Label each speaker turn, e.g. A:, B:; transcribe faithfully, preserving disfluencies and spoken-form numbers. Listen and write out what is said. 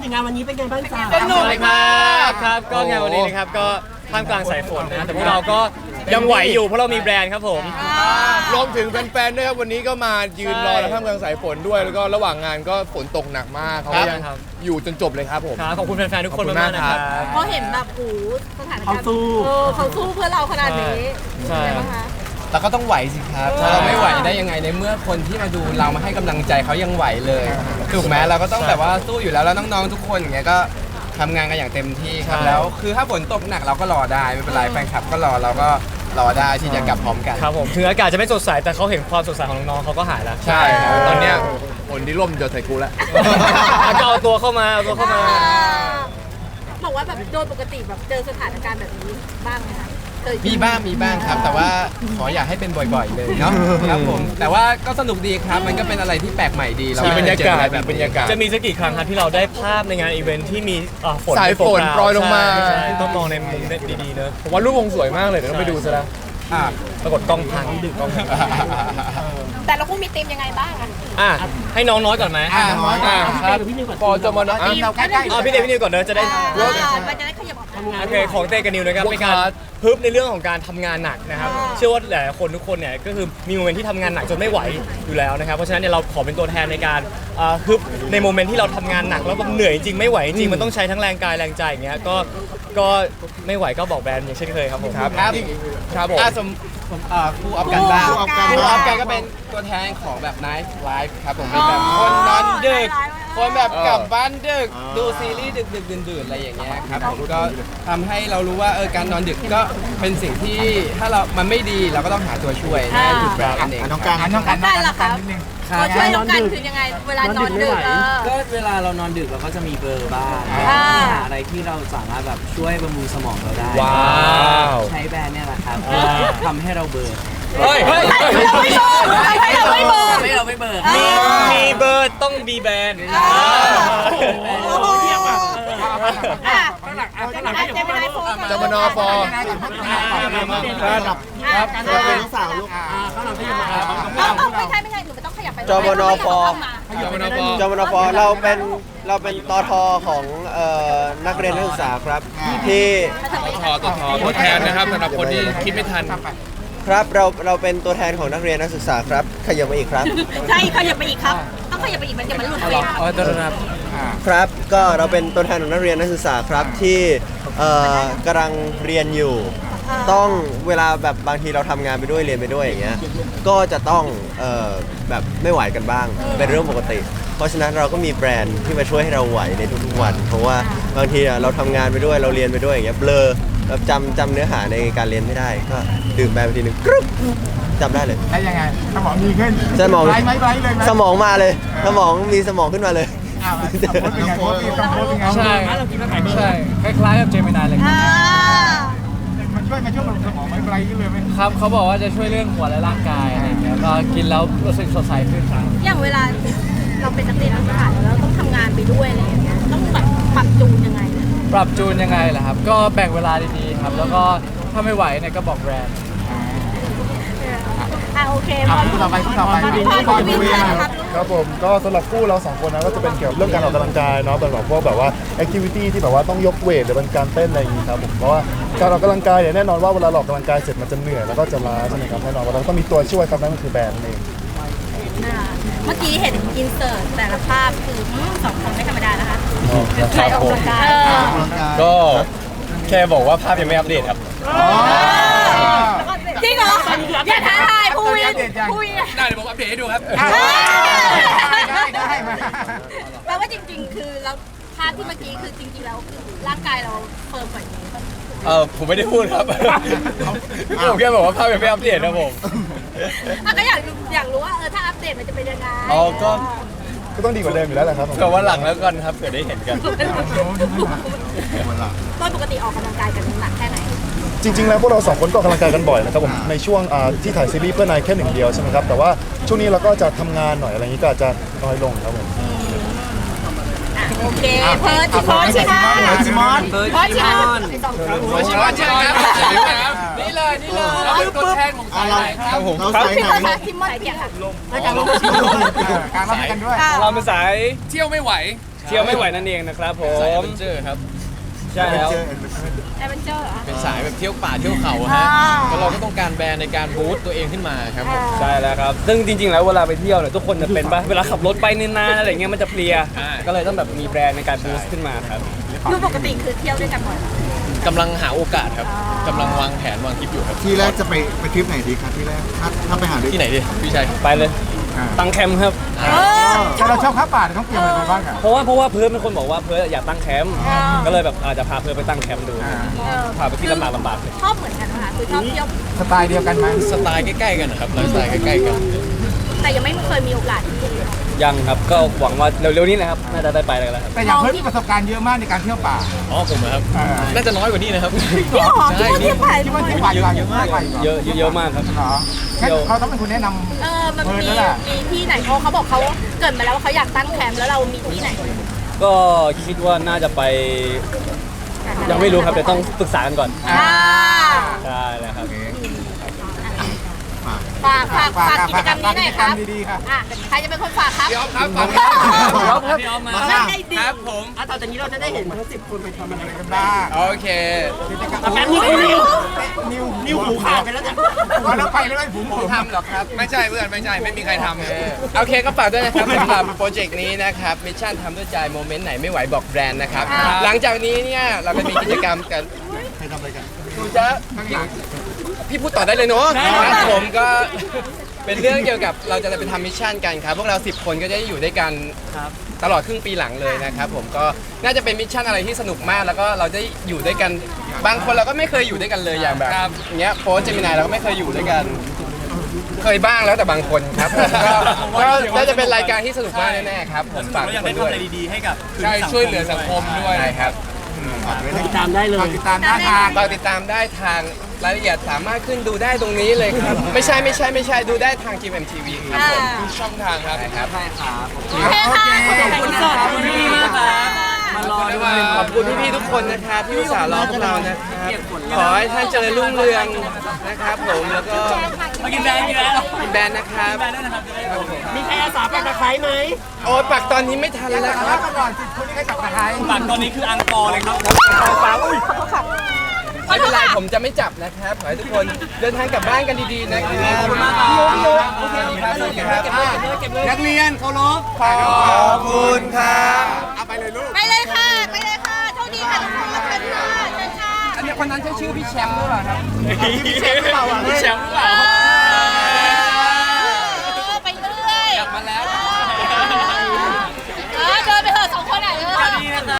A: ถึงงานวันนี้เป็นไงบ้างจ๊ะ
B: สนุกมากครับก็งานวันนี้นะครับก็ท่ามกลางสายฝนนะแต่พวกเราก็ยังไหวอยู่เพราะเรามีแบรนด์ครับผม
C: รวมถึงแฟนๆด้วยครับวันนี้ก็มายืนรอและท่ามกลางสายฝนด้วยแล้วก็ระหว่างงานก็ฝนตกหนักมากเขายังอยู่จนจบเลยครับผม
B: ครับขอบคุณแฟนๆทุกคนมากๆนะครับ
D: เพราะเห็นแบบโอ้สถานการณ์
A: เขาสู้
D: เออเขาสู้เพื่อเราขนาดนี้
B: ใช่
D: เป็นไงบ้างคะ
E: แต่ก็ต้องไหวสิครับถ้าเราไม่ไหวได้ยังไงในเมื่อคนที่มาดูเรามาให้กำลังใจเขายังไหวเลยถูกไหมเราก็ต้องแบบว่าสู้อยู่แล้วแล้วน้องๆทุกคนอย่างเงี้ยก็ทำงานกันอย่างเต็มที่ครับแล้วคือถ้าฝนตกหนักเราก็รอได้ไม่เป็นไรแฟนคลับก็รอเราก็รอได้ที่จะกลับพร้อมกัน
B: ครับผมถึงอากาศจะไม่สดใสแต่เขาเห็นความสดใสของน้องๆเขาก็หายแล้ว
C: ใช่ครับตอนเนี้ยฝนที่ร่มจะใส่กูแล้ว
B: แล้วก็เอาตัวเข้ามาเอาตัวเข้ามา
D: บอกว่าแบบโดยปกติแบบเจอสถานการณ์แบบนี้บ้างไหมคะเคย
E: มีบ้างมีบ้างครับ แต่ว่าขออย่าให้เป็นบ่อยๆเลยเนาะครับผมแต่ว่าก็สนุกดีครับมันก็เป็นอะไรที่แปลกใหม่ดีเรา
C: มีบรรยากาศ
E: ไม่เคเจออะไรแบบ
C: บรรยากาศ
B: จะมีสักกี่ครั้งครับที่เราได้ภาพในงานอีเวนท์ที่มีอ่าฝน
C: สายฝน
B: โปร
C: โปรยลงมา
B: ใช่ต้องมองในมุมดีๆเนอะ
C: ผมว่ารูปวงสวยมากเลยเดี๋ยวต้องไปดูซะแล้ว
E: อ่ะ
B: ปรากฏกล้องพังดึกกล้องพัง
D: แต่ละคู่มีธีมยังไงบ้างอะ
B: อ่ะให้น้องน้อยก่อนไหม
E: อ่ะน้อยก่อน
B: ครับ
A: พี่นิวก่อน
C: พอจะมานะ
E: เราใกล้ๆ
B: เอาพี่เดชพี่นิวก่อนเนอะจะได้
D: อ่ามันจะได้ขยับออกมา
B: โอเคของเต้กับนิวนะครับ
C: Work
B: เป็นการ
C: hard
B: ฮึบในเรื่องของการทำงานหนักนะครับ
D: อ่า
B: เชื่อว่าหลายๆคนทุกคนเนี่ยก็คือมีโมเมนต์ที่ทำงานหนักจนไม่ไหวอยู่แล้วนะครับเพราะฉะนั้นเนี่ยเราขอเป็นตัวแทนในการเอ่อฮึบในโมเมนต์ที่เราทำงานหนักแล้วแบบเหนื่อยจริงไม่ไหวจริงมันต้องใช้ทั้งแรงกายแรงใจอย่างเงี้ยก็ก็ไม่ไหวก็บอกแบรนด์อย่างเช่นเคยครับผม
C: ครับ
E: ครับ
C: ครับผม
E: อ่ะสมผมอ่าครูออฟกันบ้าง
D: ครูออฟกัน
E: ครูออฟกันก็เป็นตัวแทนของแบบ Night Life ครับผมเป็นแบบคนนอนดึก คนแบบกลับบ้านดึกดูซีรีส์ดึกดึกดื่นดื่นๆอะไรอย่างเงี้ยครับผมก็ทำให้เรารู้ว่าเออการนอนดึกก็เป็นสิ่งที่ถ้าเรามันไม่ดีเราก็ต้องหาตัวช่วยนั่นคือแบรนด์นั่นเอง
F: น้องการน้อง
D: น้
F: กา
D: อ
F: รง
D: กันเหรอครับตัวช่วยน้องกันคือยังไง เวลานอนดึกเออ
G: ก็เวลาเรานอนดึกเราก็จะมีเบลอร์บ้าง
D: อ่า
G: หาอะไรที่เราสามารถแบบช่วยบำรุงสมองเราได้
B: ว้าว
G: ใช้แบรนด์เนี่ยแหละครับ
B: อ่า
G: ทำให้เราเบลอร์
B: เฮ้ยเฮ้ย
D: เราไม่บอกให้เราไม่บอก
G: ทำให้เราไม่เบลอร์
B: มีมีเบอร์ต้องมีแบรนด์
D: โอ้โหอ่ะข้างหลังข้างหลังเจมินายโฟน
C: จมนฟอ
F: ครับ
D: ครับ
F: เราเป็นน้องสาวลูก
D: ต้องต้องไม่ใช่ไม่ใช่หนูไม่ต้องขยับไป
F: จมนฟ
C: จมนฟ
F: จมนฟเราเป็นเราเป็นตทของเอ่อนักเรียนนักศึกษาครับที่
C: ทอตัวทอตัวแทนนะครับสำหรับคนที่คิดไม่ทัน
F: ครับเราเราเป็นตัวแทนของนักเรียนนักศึกษาครับขยับมาอีกครับ
D: ใช่ขยับไปอีกครับ ต้องขยับไปอีกมันจะมันหลุดเฟรม
B: อ๋อตัวนะครับ
F: ครับก็เราเป็นตัวแทนของนักเรียนนักศึกษาครับที่เอ่อกำลังเรียนอยู่ ต้องเวลาแบบบางทีเราทำงานไปด้วยเรียนไปด้วยอย่างเงี้ยก็จะต้องเอ่อแบบไม่ไหวกันบ้างเป็นเรื่องปกติ เพราะฉะนั้นเราก็มีแบรนด์ที่มาช่วยให้เราไหวในทุกๆวัน เพราะว่าบางทีอะเราทำงานไปด้วยเราเรียนไปด้วยอย่างเงี้ยเบลอแบบจำจำเนื้อหาในการเรียนไม่ได้ก็ดื่มแบรนด์ไปทีนึงกรึ๊บจำได้เลย
H: ได้ยังไงสมองดีขึ้น
F: สมอง
H: ไบรท์ไหมไบรท์เลยไหม
F: สมองมาเลยสมองมีสมองขึ้นมาเลย
H: อ้าวโพสเป็นไงโพสเป็นต้องโพสเป็นไง
B: ใช่ใช่คล้ายๆกับเจมินายเลย
D: อ่า
H: มันช่วยมันช่วยบำรุงสมองไหมไบรท์ขึ้นเลยไหม
B: ครับเขาบอกว่าจะช่วยเรื่องหัวและร่างกายอะไรอย่างเงี้ยก็กินแล้วรู้สึกสดใสขึ้นครับ
D: อย่างเวลาเราเป็นนักเรียนนักศึกษาแล้วเราต้องทำงานไปด้วยอะไรอย่างเงี้ยต้องแบบปรับจูนยังไงเนี่ย
B: ปรับจูนยังไงล่ะครับ ก็แบ่งเวลาดีๆครับ แล้วก็ถ้าไม่ไหวเนี่ยก็บอกแบรนด์
D: อ่ะโอเค
H: อ่ะ
D: พอ
H: คู่ต่อไปคู่ต่อไป
D: พี่พร
H: พร
D: พี่
H: คุย
D: วิน
H: นะ
D: นะ
H: ค
D: ค
H: รั
D: รั
H: บบ
I: ครับผมก็สำหรับคู่เราสองคนนะก็จะเป็นเกี่ยวกับเรื่องการออกกำลังกายเนาะเป็นแบบพวกแบบว่าแอคทิวิตี้ที่แบบว่าต้องยกเวทหรือเป็นการเต้นอะไรอย่างนี้ครับผมเพราะว่าการออกกำลังกายเนี่ยแน่นอนว่าเวลาเราออกกำลังกายเสร็จมันจะเหนื่อยแล้วก็จะล้าใช่ไหมครับแน่นอนว่าเราต้องมีตัวช่วยครับนั่นก็คือแบรนด์นั่นเอง
D: อ่าเมื่อกี้เห็นอินเสิร์ตแต่ละภาพคืออืมสองคนไม่ธรรมดานะคะ
B: ครับ
D: ใครออกกำลังกายเออ
B: ก็แค่บอกว่าภาพยังไม่อัปเดตครับ
D: จริงเหรออย่าท้าทายภูวินภูวิน
C: ได้เดี๋ยวผมอัปเดตให้ดูครับ
H: ได้ได้มา
D: แปลว่าจริง ๆ คือเราภาพที่เมื่อกี้คือจริง ๆ แล้วคือร่างกายเราเฟิร์มกว่านี้
B: เออผมไม่ได้พูดครับ ผมแค่บอกว่าภาพยังไม่อัปเดตครับผม
D: อ่ะก็อยากรู้อยากรู้ว่าเออถ้าอัปเดตมันจะเป็นยังไง
B: อ๋อก็
I: ก็ต้องดีกว่าเดิมอยู่แล้วแหละครับผม
B: แต่ว่าหลังแล้วกันครับเผื่อได้เห็นกัน
D: โดยปกติออกกำลังกายกันหนักแค่ไหน
I: จริงๆแล้วพวกเราสองคนก็ออกกำลังกายกันบ่อยนะครับผมในช่วงอ่าที่ถ่ายซีรีส์เพื่อนายแค่หนึ่งเดียวใช่ไหมครับแต่ว่าช่วงนี้เราก็จะทำงานหน่อยอะไรอย่างนี้ก็อาจจะน้อยลงครับผม
D: อ่ะโอเคเพิร์ดชิมอนชิมอน
H: เพิร์ดชิมอน
D: เพิร์ดชิมอน
C: มาชิมมาเชิญครับนี่เลยนี่เลยเราเป็นตัวแทนของสายไหนครับผม
F: เรา
D: ครับ
F: ใส่
D: พี่
F: ไหน
D: เพิร์ดชิมอนเปียกค่ะ
H: รายการลงชิมอนการรับให้กันด้วย
B: เราเป็นสาย
C: เที่ยวไม่ไหว
B: ใ
E: เที่ยวไม่ไหวนั่นเองนะครับผ
C: สายแอด
E: ม
C: เวนเจอร์ครับ
E: ใช่แล้ว
D: แอดเวนเจอร์เหรอ
C: เป็นสายแบบเที่ยวป่าเที่ยวเขาฮะ
D: อ่า
C: แล้วเราก็ต้องการแบรนด์ในการบูสต์ตัวเองขึ้นมาครับผม
E: ใช่แล้วครับ ซึ่งจริงๆ แล้วเวลาไปเที่ยวเนี่ยทุกคนจะเป็นปะเวลาขับรถไปนานๆอะไรเงี้ยมันจะเพลีย ก็เลยต้องแบบมีแบรนด์ในการบูสต์ขึ้นมาครับ
D: ดูปกติคือเที่ยวด้วยกันบ่อยเหรอก
C: ำลังหาโอกาสครับกำลังวางแผนวางทริปอยู่ครับ
H: ที่แรกจะไปไปทริปไหนดีครับที่แรกถ้าถ้าไปหาด้วย
C: ที่ไหนดีพี่ชัย
E: ไปเลย ตั้งแคมป์ครับ
D: เออ
H: ถ้าเราชอบข้าวป่าเราต้องเตรียมอะไรไปบ้างอ่ะ
E: เพราะว่าเพราะว่าเพิร์ดเป็นคนบอกว่าเพิร์ดอยากตั้งแคมป์
D: อ่า
E: ก็เลยแบบอาจจะพาเพิร์ดไปตั้งแคมป์ดู
H: อ่า
D: เออ
E: พาไปที่ลำบากลำบากเลย
D: ชอบเหมือนกันนะคะคือชอบเที่ยว
H: สไตล์เดียวกันไหม
C: สไตล์ใกล้ๆกันนะครับไลฟ์สไตล์ใกล้ๆกัน
D: แต่ยังไม่เคยมีโอกาส
E: ยังครับ ก็หวังว่าเร็วๆนี้นะครับ น่าจะได้ไปแล้วครับ
H: แต่อย่างเพิ่มมีประสบการณ์เยอะมากในการเที่ยวป่า
C: อ๋อผมนะครับ
H: อ่า
C: น่าจะน้อยกว่านี้นะครับ
D: พี่หอม
C: ใช่
D: คิดว่า
C: นี่
D: เที่ยวไป
H: คิดว่าเที่ยวป่าเยอะมากกว่าอีกเหรอ
E: เยอะเยอะมากครับ
H: เหรอแค่เขาต้องเป็นคนแนะน
D: เออมัน
H: เออ
D: มี
H: นั่นแหละ
D: มีที่ไหนเขาเขาบอกเขาเกริดมาแล้วว่าเขาอยากตั้งแคมป์แล้วเรามีที่ไหน
E: ก็คิดว่าน่าจะไป ยังไม่รู้ครับเดี๋ยวต้องปรึกษากันก่อน
D: อ่า
E: ใช่แล้วครับ
D: ฝากฝากฝากกิจกรรมนี้หน่อยครับ
H: ฝากกิจกรรมดีๆครับ
D: อ่ะใครจะเป็นคนฝากครับ
C: พี่อ๊อฟครับฝาก
E: พี่อ๊อฟครับ
G: พี่ออฟมา
D: เอาได้ดี
C: ครับผม
G: อ่ะต่อจากนี้เราจะได้เห็นทั้งสิบคนไปทำอะไร
H: ำกันบ้าง
C: โอเค
G: แป๊บนึงนิว
H: นิว
G: นิวหูขาดไปแล้วจ้ะ
H: พอเราไปแล้วไอ้ผมผม
C: ทำหรอครับ ไม่ใช่เพื่อนไม่ใช่ไม่มีใครทำโอเคก็ฝากด้วยนะครับสำหรับโปรเจกต์นี้นะครับมิชชั่นทำด้วยใจโมเมนต์ไหนไม่ไหวบอกแบรนด์นะครับ หลังจากนี้เนี่ยเราจะมีกิจกรรมกัน
H: ใครทำอะไรกัน
C: ดูจะพี่พูดต่อได้เลยเนาะครับผมก็เป็นเรื่องเกี่ยวกับเราจะไปทำมิชชั่นกันครับพวกเราสิบคนก็จะอยู่ด้วยกันตลอดครึ่งปีหลังเลยนะครับผมก็น่าจะเป็นมิชชั่นอะไรที่สนุกมากแล้วก็เราจะอยู่ด้วยกันบางคนเราก็ไม่เคยอยู่ด้วยกันเลยอย่างแบบอย่างเงี้ยโฟร์เจมินายเราก็ไม่เคยอยู่ด้วยกัน เคยบ้างแล้วแต่บางคนครับผมก็ก็น่าจะเป็นรายการที่สนุกมากแน่ๆครับผมฝากทุกคนด้วย
B: ให้กับ
C: ใช่ช่วยเหลือสังคมด้วยครับ
G: ติดตามได้เลย
H: ติดตามหน้าทาง
C: ฝากติดตามได้ทางรายละเอียดสามารถขึ้นดูได้ตรงนี้เลยครับ ไม่ใช่ไม่ใช่ไม่ใช่ดูได้ทาง จี เอ็ม ที วี ครับผมทุกช่องทางครับครับ
G: ใช่ครับ
D: โอเคค่ะ
G: ขอบคุณสดคุณพี่มากครับมารอด้วย
C: ขอบคุณพี่ๆทุกคนนะครับที่อุตส่าห์รอพวกเรานะครับขอให้ท่านเจริญรุ่งเรืองนะครับผมแล้วก็
G: มากินแบรนด์กินแบรนด์
C: กินแบรนด์นะครับ
G: มีใครอาสาปักตะไคร้ไหม
C: โอ้ยปักตอนนี้ไม่ทันแล้วค
H: แล้
C: รั
H: ว
C: บ
H: ก็ก่อนสิบคนนี้ให้กลับมาไทย
B: ปักตอนนี้คืออังกอร์เลยครับ
C: ฟ้าอุ้ยไม่เป็นไรผมจะไม่จับนะครับขอให้ทุกคนเดินทางกลับบ้านกันดีๆนะครับขอบคุณมากครับโอเคครับโอเคครับ
H: นักเรียนเคารพ
C: ขอบคุณครับ
H: เอาไปเลยลูก
D: ไปเลยค่ะ ไปเลยค่ะโชคดีค่ะทุกคนเชิญค่ะเชิญค่ะ
C: อันนี้คนนั้นใช่ชื่อพี่แชมป์หรือเปล่าครับ
H: พี่แชมป์หรือเปล่าอ่ะ
B: แชมป์หรือเปล่า
D: เออไปเรื่อย
C: กลับมาแล้ว